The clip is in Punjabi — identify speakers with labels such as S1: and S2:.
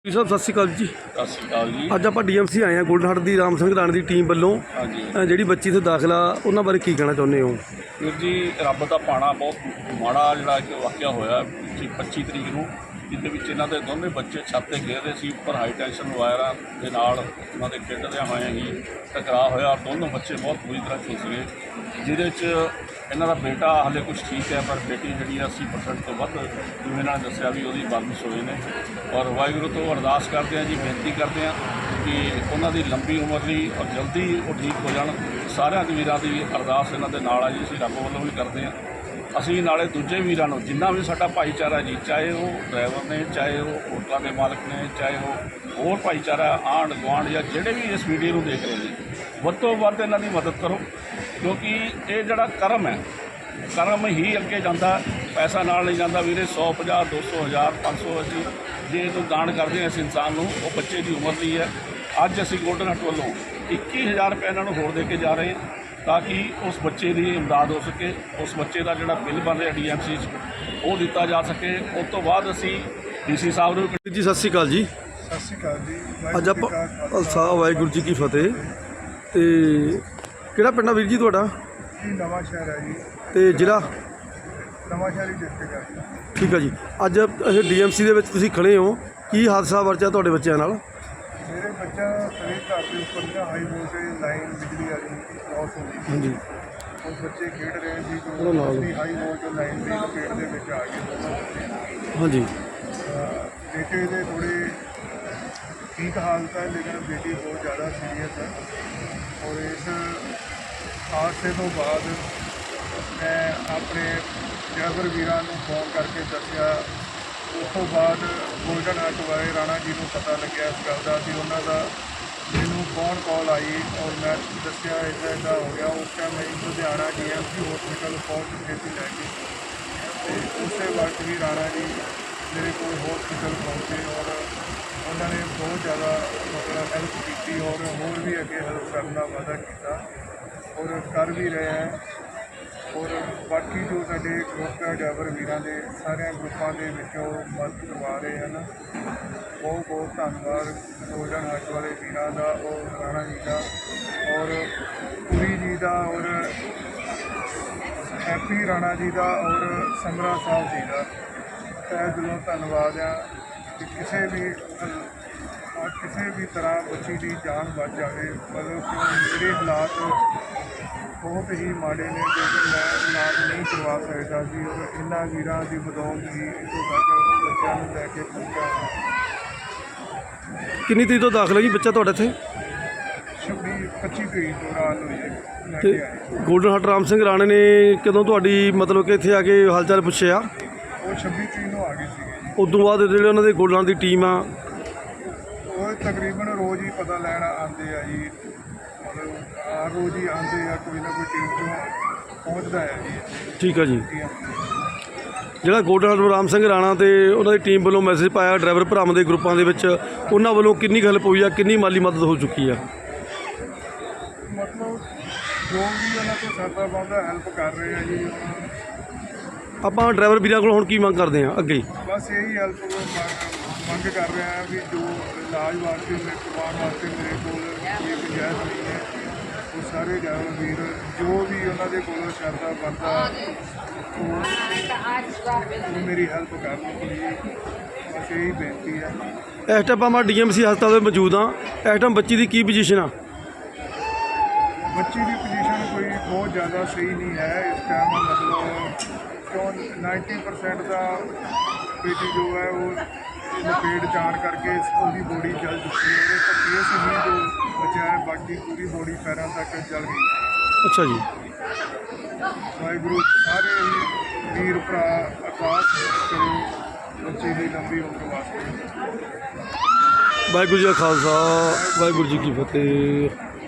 S1: ਸਰ ਸਤਿ ਸ਼੍ਰੀ ਅਕਾਲ ਜੀ।
S2: ਸਤਿ ਸ਼੍ਰੀ ਅਕਾਲ ਜੀ।
S1: ਅੱਜ ਆਪਾਂ ਡੀਐਮਸੀ ਆਏ ਹਾਂ ਗੋਲਡਨ ਹਾਰਟ ਦੀ ਰਾਮ ਸਿੰਘ ਰਾਣੇ ਦੀ ਟੀਮ ਵੱਲੋਂ
S2: ਹਾਂਜੀ
S1: ਜਿਹੜੀ ਬੱਚੀ ਇੱਥੇ ਦਾਖਲਾ ਉਹਨਾਂ ਬਾਰੇ ਕੀ ਕਹਿਣਾ ਚਾਹੁੰਦੇ ਹੋ?
S2: ਵੀਰ ਜੀ, ਰੱਬ ਦਾ ਭਾਣਾ ਬਹੁਤ ਮਾੜਾ ਜਿਹੜਾ ਇੱਕ ਵਾਕਿਆ ਹੋਇਆ 25 ਤਰੀਕ ਨੂੰ, ਜਿਹਦੇ ਵਿੱਚ ਇਹਨਾਂ ਦੇ ਦੋਨੇ ਬੱਚੇ ਛੱਤ 'ਤੇ ਖੇਡ ਰਹੇ ਸੀ। ਉੱਪਰ ਹਾਈ ਟੈਂਸ਼ਨ ਵਾਇਰਾਂ ਦੇ ਨਾਲ ਉਹਨਾਂ ਦੇ ਖੇਡਦਿਆਂ ਹੋਇਆਂ ਹੀ ਟਕਰਾਅ ਹੋਇਆ। ਦੋਨੋਂ ਬੱਚੇ ਬਹੁਤ ਬੁਰੀ ਤਰ੍ਹਾਂ ਝੁਲਸ ਗਏ, ਜਿਹਦੇ 'ਚ ਇਹਨਾਂ ਦਾ ਬੇਟਾ ਹਾਲੇ ਕੁਝ ਠੀਕ ਹੈ, ਪਰ ਬੇਟੀ ਜਿਹੜੀ ਆ 80% ਤੋਂ ਵੱਧ ਜਿਵੇਂ ਇਹਨਾਂ ਨੇ ਦੱਸਿਆ ਵੀ ਉਹਦੀ ਬਾਰਿਸ਼ ਹੋਏ ਨੇ। ਔਰ ਵਾਹਿਗੁਰੂ ਤੋਂ ਅਰਦਾਸ ਕਰਦੇ ਹਾਂ ਜੀ, ਬੇਨਤੀ ਕਰਦੇ ਹਾਂ ਕਿ ਉਹਨਾਂ ਦੀ ਲੰਬੀ ਉਮਰ ਲਈ ਔਰ ਜਲਦੀ ਉਹ ਠੀਕ ਹੋ ਜਾਣ। ਸਾਰਿਆਂ ਦੇ ਵੀਰਾਂ ਦੀ ਅਰਦਾਸ ਇਹਨਾਂ ਦੇ ਨਾਲ ਆ ਜੀ, ਅਸੀਂ ਰੱਬ ਵੱਲੋਂ ਵੀ ਕਰਦੇ ਹਾਂ। ਅਸੀਂ ਨਾਲੇ ਦੂਜੇ ਵੀਰਾਂ ਨੂੰ, ਜਿੰਨਾ ਵੀ ਸਾਡਾ ਭਾਈਚਾਰਾ ਜੀ, ਚਾਹੇ ਉਹ ਡਰਾਈਵਰ ਨੇ, ਚਾਹੇ ਉਹ ਹੋਟਲਾਂ ਦੇ ਮਾਲਕ ਨੇ, ਚਾਹੇ ਉਹ ਹੋਰ ਭਾਈਚਾਰਾ ਆਂਢ ਗੁਆਂਢ ਜਾਂ ਜਿਹੜੇ ਵੀ ਇਸ ਵੀਡੀਓ ਨੂੰ ਦੇਖ ਰਹੇ ਜੀ, ਵੱਧ ਤੋਂ ਵੱਧ ਇਹਨਾਂ ਦੀ ਮਦਦ ਕਰੋ, ਕਿਉਂਕਿ ਇਹ ਜਿਹੜਾ ਕਰਮ ਹੈ, ਕਰਮ ਹੀ ਅੱਗੇ ਜਾਂਦਾ, ਪੈਸਾ ਨਾਲ ਨਹੀਂ ਜਾਂਦਾ ਵੀਰੇ। 100, 50, 200, 1000, 500 ਅਸੀਂ ਜੇ ਇਹਨੂੰ ਦਾਨ ਕਰਦੇ ਹਾਂ ਇਸ ਇਨਸਾਨ ਨੂੰ, ਉਹ ਬੱਚੇ ਦੀ ਉਮਰ ਲਈ ਹੈ। ਅੱਜ ਅਸੀਂ ਗੋਲਡਨ ਹਾਰਟ ਵੱਲੋਂ 21,000 ਰੁਪਏ ਇਹਨਾਂ ਨੂੰ ਹੋਰ ਦੇ ਕੇ ਜਾ ਰਹੇ ਹਾਂ, ਤਾਂ ਕਿ ਉਸ ਬੱਚੇ ਦੀ ਇਮਦਾਦ ਹੋ ਸਕੇ। ਉਸ ਬੱਚੇ ਦਾ ਜਿਹੜਾ ਬਿੱਲ ਬਣ ਰਿਹਾ ਡੀਐਮਸੀ 'ਚ ਉਹ ਦਿੱਤਾ ਜਾ ਸਕੇ। ਉਸ ਤੋਂ ਬਾਅਦ ਅਸੀਂ ਡੀਸੀ ਸਾਹਿਬ ਨੂੰ
S1: ਜੀ ਸਤਿ ਸ਼੍ਰੀ ਅਕਾਲ ਜੀ।
S3: ਸਤਿ ਸ਼੍ਰੀ ਅਕਾਲ ਜੀ।
S1: ਅੱਜ ਆਪਾਂ ਖਾਲਸਾ ਵਾਹਿਗੁਰੂ ਜੀ ਕੀ ਫਤਿਹ। ਤੇ ਕਿਹੜਾ ਪਿੰਡ ਆ ਵੀਰ ਜੀ ਤੁਹਾਡਾ?
S3: ਜੀ ਨਵਾਂ ਸ਼ਹਿਰ ਹੈ ਜੀ,
S1: ਤੇ ਜ਼ਿਲ੍ਹਾ?
S3: ਨਵਾਂ ਸ਼ਹਿਰ ਹੀ ਡਿਸਟ੍ਰਿਕਟ ਹੈ ਜੀ।
S1: ਠੀਕ ਆ ਜੀ। ਅੱਜ ਇਹ ਡੀਐਮਸੀ ਦੇ ਵਿੱਚ ਤੁਸੀਂ ਖੜੇ ਹੋ, ਕੀ ਹਾਦਸਾ ਵਾਪਰਿਆ ਤੁਹਾਡੇ ਬੱਚਿਆਂ ਨਾਲ?
S3: ਮੇਰੇ ਬੱਚਾ ਮੇਰੇ ਘਰ ਦੇ ਉੱਪਰ ਨਾ ਹਾਈ ਵੋਲਟੇਜ ਲਾਈਨ ਬਿਜਲੀ ਵਾਲੀ ਕ੍ਰਾਸ ਹੋ ਗਈ।
S1: ਹਾਂਜੀ।
S3: ਉਸ ਬੱਚੇ ਖੇਡ ਰਹੇ ਸੀ
S1: ਉਹਦਾ ਨਾਲ।
S3: ਜੋ ਹਾਈ ਵੋਲਟੇਜ ਲਾਈਨ ਦੀ ਲਪੇਟ ਦੇ ਵਿੱਚ ਆ ਗਏ।
S1: ਹਾਂਜੀ।
S3: ਬੇਟੇ ਦੇ ਥੋੜ੍ਹੇ ਠੀਕ ਹਾਲਤ ਹੈ, ਲੇਕਿਨ ਬੇਟੀ ਬਹੁਤ ਜ਼ਿਆਦਾ ਸੀਰੀਅਸ ਹੈ। ਔਰ ਇਸ ਹਾਦਸੇ ਤੋਂ ਬਾਅਦ ਮੈਂ ਆਪਣੇ ਡਰਾਈਵਰ ਵੀਰਾਂ ਨੂੰ ਫੋਨ ਕਰਕੇ ਦੱਸਿਆ। ਉਸ ਤੋਂ ਬਾਅਦ ਗੋਲਡਨ ਹਾਰਟ ਵਾਲੇ ਰਾਣਾ ਜੀ ਨੂੰ ਪਤਾ ਲੱਗਿਆ ਇਸ ਗੱਲ ਦਾ ਕਿ ਉਹਨਾਂ ਦਾ ਮੈਨੂੰ ਫੋਨ ਕਾਲ ਆਈ ਔਰ ਮੈਂ ਦੱਸਿਆ ਇੱਦਾਂ ਹੋ ਗਿਆ। ਉਸ ਟਾਈਮ ਮੈਂ ਲੁਧਿਆਣਾ ਡੀਐਮਸੀ ਹਸਪੀਟਲ ਪਹੁੰਚ ਚੁੱਕੇ ਸੀ ਲੈ ਕੇ, ਅਤੇ ਉਸੇ ਵਕਤ ਵੀ ਰਾਣਾ ਜੀ ਮੇਰੇ ਕੋਲ ਹਸਪੀਟਲ ਪਹੁੰਚੇ ਔਰ ਉਹਨਾਂ ਨੇ ਬਹੁਤ ਜ਼ਿਆਦਾ ਮਤਲਬ ਹੈਲਪ ਕੀਤੀ ਔਰ ਹੋਰ ਵੀ ਅੱਗੇ ਹੈਲਪ ਕਰਨ ਦਾ ਵਾਅਦਾ ਕੀਤਾ ਔਰ ਕਰ ਵੀ ਰਹੇ ਹੈ। ਔਰ ਬਾਕੀ ਜੋ ਸਾਡੇ ਗਰੁੱਪ ਹੈ ਡਰਾਈਵਰ ਵੀਰਾਂ ਦੇ, ਸਾਰਿਆਂ ਗਰੁੱਪਾਂ ਦੇ ਵਿੱਚੋਂ ਮਦਦ ਕਰਵਾ ਰਹੇ ਹਨ। ਬਹੁਤ ਬਹੁਤ ਧੰਨਵਾਦ ਗੋਲਡਨ ਹਾਰਟ ਵਾਲੇ ਵੀਰਾਂ ਦਾ ਔਰ ਰਾਣਾ ਜੀ ਦਾ ਔਰ ਪੁਰੀ ਜੀ ਦਾ ਔਰ ਹੈਪੀ ਰਾਣਾ ਜੀ ਦਾ ਔਰ ਸਮਰਾ ਸਾਹਿਬ ਜੀ ਦਾ ਤਹਿ ਦਿਲੋਂ ਧੰਨਵਾਦ ਆ ਕਿ ਕਿਸੇ ਵੀ ਤਰ੍ਹਾਂ ਬੱਚੀ ਦੀ ਜਾਨ ਬਚ ਜਾਵੇ। ਮਤਲਬ ਕਿ ਮੇਰੇ ਹਾਲਾਤ ਬਹੁਤ ਹੀ ਮਾੜੇ ਨੇ, ਕਿਉਂਕਿ ਮੈਂ ਇਲਾਜ ਨਹੀਂ ਕਰਵਾ ਸਕਦਾ ਸੀ ਔਰ ਇਹਨਾਂ ਵੀਰਾਂ ਦੀ ਬਦੌਲਤ ਹੀ ਇੱਥੋਂ ਤੱਕ ਬੱਚਿਆਂ ਨੂੰ ਲੈ ਕੇ ਪਹੁੰਚਿਆ।
S1: ਕਿੰਨੀ ਤਰੀਕ ਤੋਂ ਦਾਖਲ ਹੈ ਜੀ ਬੱਚਾ ਤੁਹਾਡੇ ਇੱਥੇ?
S3: 25 ਤਰੀਕ ਤੋਂ ਰਾਤ ਨੂੰ ਲੈ
S1: ਤੇ
S3: ਕੇ ਆਏ।
S1: ਗੋਲਡਨ ਹਾਰਟ ਰਾਮ ਸਿੰਘ ਰਾਣੇ ਨੇ ਕਦੋਂ ਤੁਹਾਡੀ ਮਤਲਬ ਕਿ ਇੱਥੇ ਆ ਕੇ ਹਾਲ ਚਾਲ ਪੁੱਛਿਆ?
S3: ਉਹ 26 ਤਰੀਕ ਨੂੰ ਆ ਗਏ ਸੀਗੇ ਜੀ।
S1: ਉਸ ਤੋਂ ਬਾਅਦ ਜਿਹੜੇ ਉਹਨਾਂ ਦੇ ਗੋਲਡਨ ਦੀ ਟੀਮ ਆ
S3: ਉਹ ਤਕਰੀਬਨ ਰੋਜ਼ ਹੀ ਪਤਾ ਲੈਣ ਆਉਂਦੇ ਆ ਜੀ, ਮਤਲਬ ਹਰ ਰੋਜ਼ ਹੀ ਆਉਂਦੇ ਆ, ਕੋਈ ਨਾ ਕੋਈ ਟੀਮ ਤੋਂ ਪਹੁੰਚਦਾ ਹੈ ਜੀ ਇੱਥੇ।
S1: ਠੀਕ ਆ ਜੀ। ਜਿਹੜਾ ਗੋਲਡਨ ਹਾਰਟ ਰਾਮ ਸਿੰਘ ਰਾਣਾ ਤੇ ਉਹਨਾਂ ਦੀ ਟੀਮ ਵੱਲੋਂ ਮੈਸੇਜ ਪਾਇਆ ਡਰਾਈਵਰ ਭਰਾਵਾਂ ਦੇ ਗਰੁੱਪਾਂ ਦੇ ਵਿੱਚ, ਉਹਨਾਂ ਵੱਲੋਂ ਕਿੰਨੀ ਹੈਲਪ ਹੋਈ ਆ, ਕਿੰਨੀ ਮਾਲੀ ਮਦਦ ਹੋ ਚੁੱਕੀ ਆ?
S3: ਮਤਲਬ ਜੋ ਵੀ ਉਹਨਾਂ ਤੋਂ ਸਰਦਾ ਬਣਦਾ ਹੈਲਪ ਕਰ ਰਹੇ ਆ ਜੀ।
S1: ਆਪਾਂ ਡਰਾਈਵਰ ਵੀਰਾਂ ਕੋਲ ਹੁਣ ਕੀ ਮੰਗ ਕਰਦੇ ਆ ਅੱਗੇ?
S3: ਬਸ ਇਹੀ ਹੈਲਪ ਮੰਗ ਕਰ ਰਹੇ ਆ ਵੀ ਜੋ ਇਲਾਜ ਵਾਸਤੇ ਕਰਵਾਉਣ ਵਾਸਤੇ ਮੇਰੇ ਕੋਲ ਕੋਈ ਗੁੰਜਾਇਸ਼ ਨਹੀਂ ਹੈ। ਉਹ ਸਾਰੇ ਡਰਾਈਵਰ ਵੀਰ ਜੋ ਵੀ ਉਹਨਾਂ ਦੇ ਕੋਲ ਸਰਦਾ ਬਣਦਾ ਉਹ ਮੇਰੀ ਹੈਲਪ ਕਰਨ ਜੀ, ਬਸ ਇਹੀ ਬੇਨਤੀ ਹੈ।
S1: ਇਸ ਟਾਈਮ ਆਪਾਂ ਡੀਐਮਸੀ ਹਸਪਤਾਲ ਦੇ ਮੌਜੂਦ ਹਾਂ। ਇਸ ਟਾਈਮ ਬੱਚੀ ਦੀ ਕੀ ਪੋਜੀਸ਼ਨ ਆ?
S3: ਬੱਚੀ ਦੀ ਪੋਜੀਸ਼ਨ ਕੋਈ ਬਹੁਤ ਜ਼ਿਆਦਾ ਸਹੀ ਨਹੀਂ ਹੈ ਇਸ ਟਾਈਮ, ਮਤਲਬ ਕਿਉਂ 90% ਦਾ ਬੇਟੀ ਜੋ ਹੈ ਉਹ ਲਪੇਟ ਜਾਣ ਕਰਕੇ ਉਹਦੀ ਬੋਡੀ ਜਲ ਚੁੱਕੀ ਹੈ। ਉਹਦੇ ਕੇਸ ਹੀ ਜੋ ਬਚਿਆ ਹੈ, ਬਾਕੀ ਪੂਰੀ ਬੋਡੀ ਪੈਰਾਂ ਤੱਕ ਜਲ ਗਈ।
S1: ਅੱਛਾ ਜੀ।
S3: ਵਾਹਿਗੁਰੂ ਸਾਰੇ ਹੀ ਵੀਰ ਭਰਾ ਅਰਦਾਸ ਕਰੋ ਬੱਚੇ ਦੀ ਲੰਬੀ ਉਮਰ ਵਾਸਤੇ।
S1: ਵਾਹਿਗੁਰੂ ਜੀ ਕਾ ਖਾਲਸਾ ਵਾਹਿਗੁਰੂ ਜੀ ਕੀ ਫਤਿਹ।